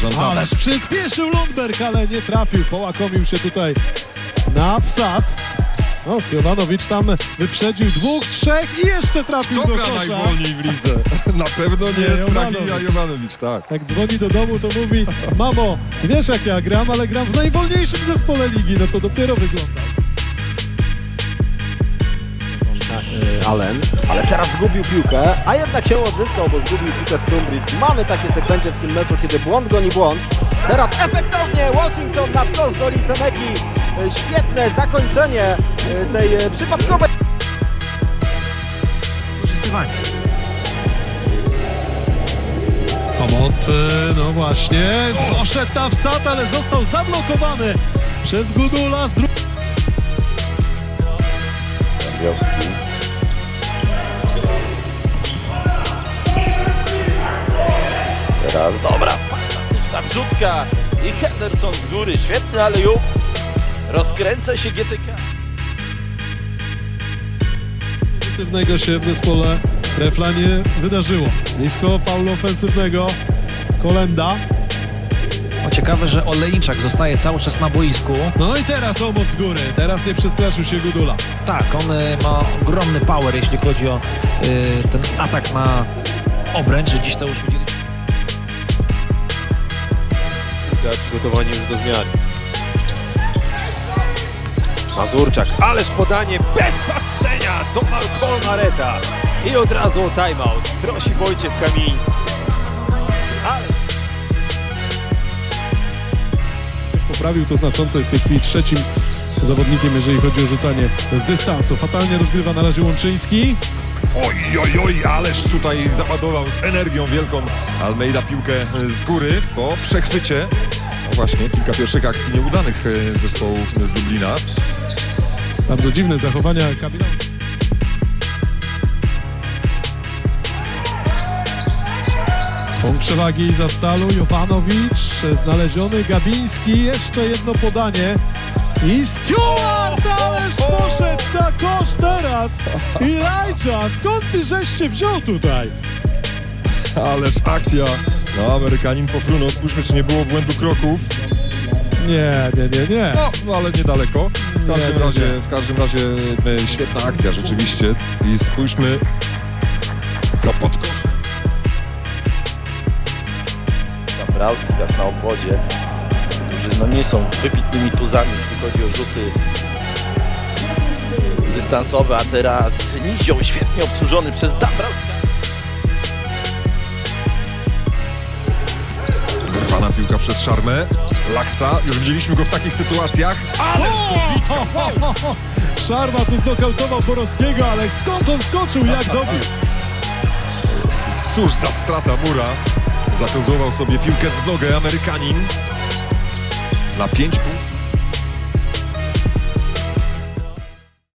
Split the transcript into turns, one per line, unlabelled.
Atlantana.
Ależ przyspieszył Lundberg, ale nie trafił. Połakomił się tutaj na wsad. No, Jovanovich tam wyprzedził 2, 3 i jeszcze trafił
Kto
do
gra
kosza.
najwolniej w lidze? Na pewno nie jest
Jovanovich.
Draghi, a Jovanovich, tak.
Jak dzwoni do domu, to mówi: mamo, wiesz jak ja gram, ale gram w najwolniejszym zespole ligi. No to dopiero wygląda.
Allen, ale teraz zgubił piłkę, a jednak się odzyskał, bo zgubił piłkę Stumbris. Mamy takie sekwencje w tym meczu, kiedy błąd goni błąd. Teraz efektownie Washington na wprost do Lisemeki. Świetne zakończenie tej przypadkowej.
Wykorzystywanie.
Komot, no właśnie, poszedł na wsad, ale został zablokowany przez Gudula.
Wioski. Teraz dobra,
Fantastyczna wrzutka i Henderson z góry, świetny alley-oop. Rozkręca się GTK.
Pozytywnego się w zespole Trefla nie wydarzyło. Nisko faulu ofensywnego Kolenda.
O, ciekawe, że Olejniczak zostaje cały czas na boisku.
No i teraz Omot z góry. Teraz nie przestraszył się Gudula.
Tak, on ma ogromny power, jeśli chodzi o ten atak na obręcz, że dziś to już widzieli.
Przygotowani już do zmiany. Mazurczak, ależ podanie bez patrzenia do Malcolma Mareta. I od razu o timeout. Prosi Wojciech Kamiński. Ale...
Poprawił to znacząco, jest w tej chwili trzecim zawodnikiem, jeżeli chodzi o rzucanie z dystansu. Fatalnie rozgrywa na razie Łączyński.
Oj, ależ tutaj załadował z energią wielką Almeida piłkę z góry po przechwycie. No właśnie, kilka pierwszych akcji nieudanych zespołu z Lublina.
Bardzo dziwne zachowania Kamila. Punkt przewagi za Stalu, Jovanovich, znaleziony Gabiński, jeszcze jedno podanie i Stewart, ależ poszedł na kosz teraz i Lajcza, skąd ty żeś się wziął tutaj?
Ależ akcja. No, Amerykanin pofrunął. Spójrzmy, czy nie było błędu kroków.
Nie.
No, ale niedaleko. W każdym razie świetna akcja rzeczywiście. I spójrzmy, co pod kosz.
Brauzkas na obwodzie, którzy no nie są wybitnymi tuzami, jeśli chodzi o rzuty dystansowe, a teraz Nizioł świetnie obsłużony przez Dabrowska.
Wyrwana piłka przez Szarmę. Laksa, już widzieliśmy go w takich sytuacjach. Ależ to
Szarma tu znokautował Borowskiego, ale skąd on skoczył, jak dobił?
Cóż za strata Mura. Zakozłował sobie piłkę w nogę Amerykanin. Na 5 punktów.